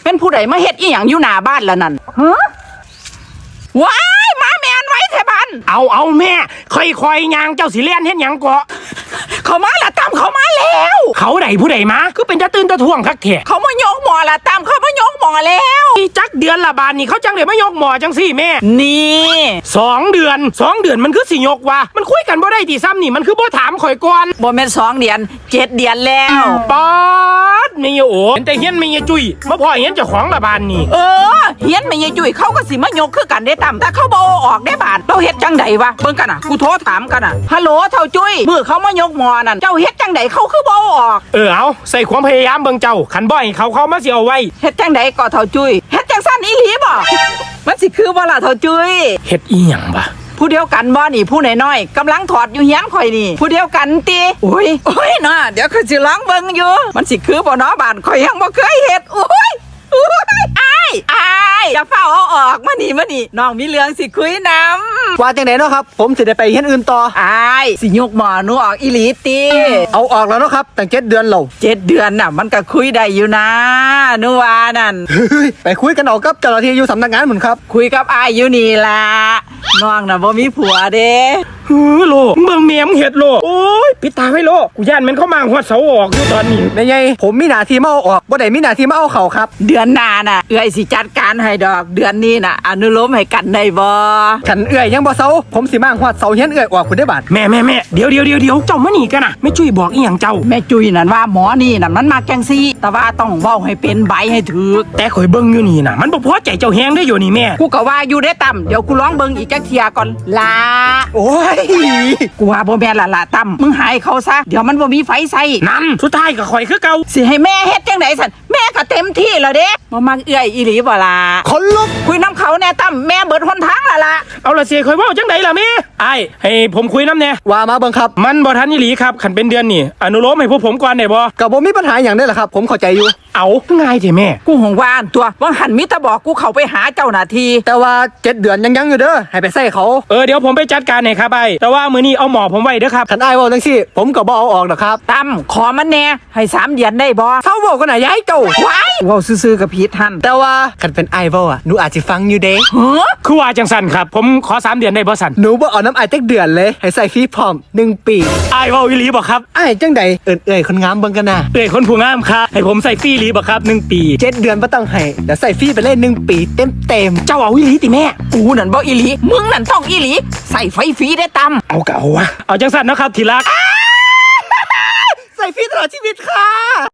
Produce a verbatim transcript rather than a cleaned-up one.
เป็นผู้ใดมาเฮ็ดอีหยังอยู่หน้าบ้านละนั่นฮะว้ายมาแมนไว้แถบ้านเอาเอาแม่ค่อยๆยางเจ้าสิเลียนเฮ็ดหยังเกาะเขามาละตามเขามาแล้วเขาใดผู้ใดมาคือเป็นตะตื่นตะท่วงคักแท้เขามายกหมอละตามเขามายกหมอแล้วอีจักเดือนละบาทนี่เขาจังได้มายกหมอจังสี่แม่นี่สองเดือนสองเดือนมันคือสิยกวะมันคุยกันบ่ได้ติซ้ำนี่มันคือบ่ถามข่อยก่อนบ่แม่นสองเดือนเจ็ดเดือนแล้วป๊าดแม่ยโอเห็นแต่เฮียนแม่ยจุ้ยมาพ่อเห็นเจ้าของละบานนี่เออเฮียนแม่ยจุ้ยเขาก็สิมายกคือกันได้ตามแต่เขาบ่ออกได้บาทเราเฮ็ดจังไดวะเบิ่งกันน่ะกูโทรถามกันน่ะฮัลโหลเฒ่าจุ้ยมื้อเขามายกหมอนั่นเจ้าเฮ็ดจังไดเขาคือบ่ออกเออเอาใส่ความพยายามเบิ่งเจ้าขันบ่อยเขาเขามาสิเอาไว้เฮ็ดจังไดก็เฒ่าจุ้ยเฮ็ดจังซั่นอีหลีบ่มันสิคือบ่ล่ะเฒ่าจุ้ยเฮ็ดอีหยังบ่ผู้เดียวกันบ่นี่ผู้น้อยๆกำลังถอดอยู่เฮียนข่อยนี่ผู้เดียวกันติโอ้ยโอ้ยน่ะเดี๋ยวข่อยสิลองเบิ่งอยู่มันสิคือบ่เนาะบ้านข่อยยังบ่เคยเฮ็ดโอ้ยโอ้ยอ้ายอ้ายอย่าเฝ้าเอาออกมานี่มานี่น้องมีเรื่องสิคุยนำว่าจังได๋เนาะครับผมสิได้ไปเฮียนอื่นต่ออ้ายสิยกหมอหนูออกอีหลีติเอาออกแล้วเนาะครับตั้งเจ็ดเดือนแล้วเจ็ดเดือนน่ะมันก็คุยได้อยู่นะหนูว่านั่นไปคุยกันเอากับเจ้าหน้าที่อยู่สำนักงานหมุนครับคุยกับอ้ายอยู่นี่ล่ะน้องน่ะบ่มีผัวเด้ฮือโลเมืองเมียมเฮ็ดโลโอ้ยปิดตาไว้โลกูย่านมันเข้ามาหัวเสาออกอยู่ตอนนี้แม่ใหญ่ผมมีหน้าที่มาเอาออกบ่ได้มีหน้าที่มาเอาเข้าครับเดือนหน้าน่ะเอื้อยสิจัดการให้ดอกเดือนนี้น่ะอนุโลมให้กันได้บ่ฉันเอื้อยยังบ่เซาผมสิมาหัวเสาเฮียนเอื้อยออกคุณได้บาดแม่แม่แม่เดี๋ยวเดี๋ยวเดี๋ยวเดี๋ยวเจ้ามานี่กันน่ะแม่จุ้ยบอกอีหยังเจ้าแม่จุ้ยนั่นว่าหมอนี่น่ะมันมาจังซี่แต่ว่าต้องเว้าให้เป็นใบให้ถูกแต่ข่อยเบิ่งอยู่นี่น่ะมันบ่พอใจเจ้าแฮงได้อยู่นี่แม่กูก็ว่าอยู่ได้ต่ำเดี๋ยวกูลองเบิ่งอีกจักเที่ยก่อนล่ะโอ้ยกูว่าบ่แม่นละละต่ำมึงหายเขาซะเดี๋ยวมันบ่มีไฟใส่นั่นสุดท้ายก็ข่อยคือเก่าสิให้แม่เฮ็ดจังได๋ซั่นแม่ก็เต็มที่แล้วเด้บ่มักเอื้อยอีหลีบ่ล่ะคนลุกคุยน้ำเขาแน่ต่ำแม่เบิดหนทางละล่ะเอาละสิข่อยเว้าจังได๋ล่ะแม่อ้ายให้ผมคุยนำแน่ว่ามาเบิ่งครับมันบ่ทันอีหลีครับคันเป็นเดือนนี่อนุโลมให้พวกผมก่อนได้บ่ก็บ่มีปัญหาหยังได้ล่ะครับผมเข้าใจอยู่เอาง่ายแท้แม่กูหงว่าอันตัวว่าหันมิตรบอกกูเข้าไปหาเจ้าหน้าที่แต่ว่าเจ็ดเดือนยังยังอยู่เด้อให้ไปใส่เขาเออเดี๋ยวผมไปจัดการให้ครับไอ้แต่ว่ามื้อนี้เอาหมอผมไว้เด้อครับคันอ้ายเว้าจังซี่ผมก็บ่เอาออกดอกครับตั้มขอมันแน่ให้สามเดือนได้บ่เซาเว้ากันน่ะยายเจ้าว้ายเว้าซื่อๆกับผิดหั่นแต่ว่าคันเป็นอ้ายเว้าอ่ะหนูอาจสิฟังอยู่เด้ฮะคือว่าจังซั่นครับผมขอสามเดือนได้บ่ซั่นหนูบ่เอาน้ำอ้ายจักเดือนเลยให้ใส่ฟรีพร้อมหนึ่งปีอ้ายเว้าอีหลีบ่ครับอ้ายจังได๋เอิ้นเอ้ยคนงามเบิ่งกันน่ะเอ้ยคนผู้งามครับให้ผมใส่ฟรีอีหลีบ่ครับหนึ่งปีเจ็ดเดือนบ่ต้องให้เดี๋ยวใส่ฟรีไปเลยหนึ่งปีเต็มๆเจ้าเอาอีหลีติแม่กูนั่นบ่อีหลีมึงนั่นต้องอีหลีใส่ไฟฟรีได้ตำเอาก็เอาวะเอาจังซั่นเนาะครับที่รักใส่ฟรีตลอดชีวิตค่ะ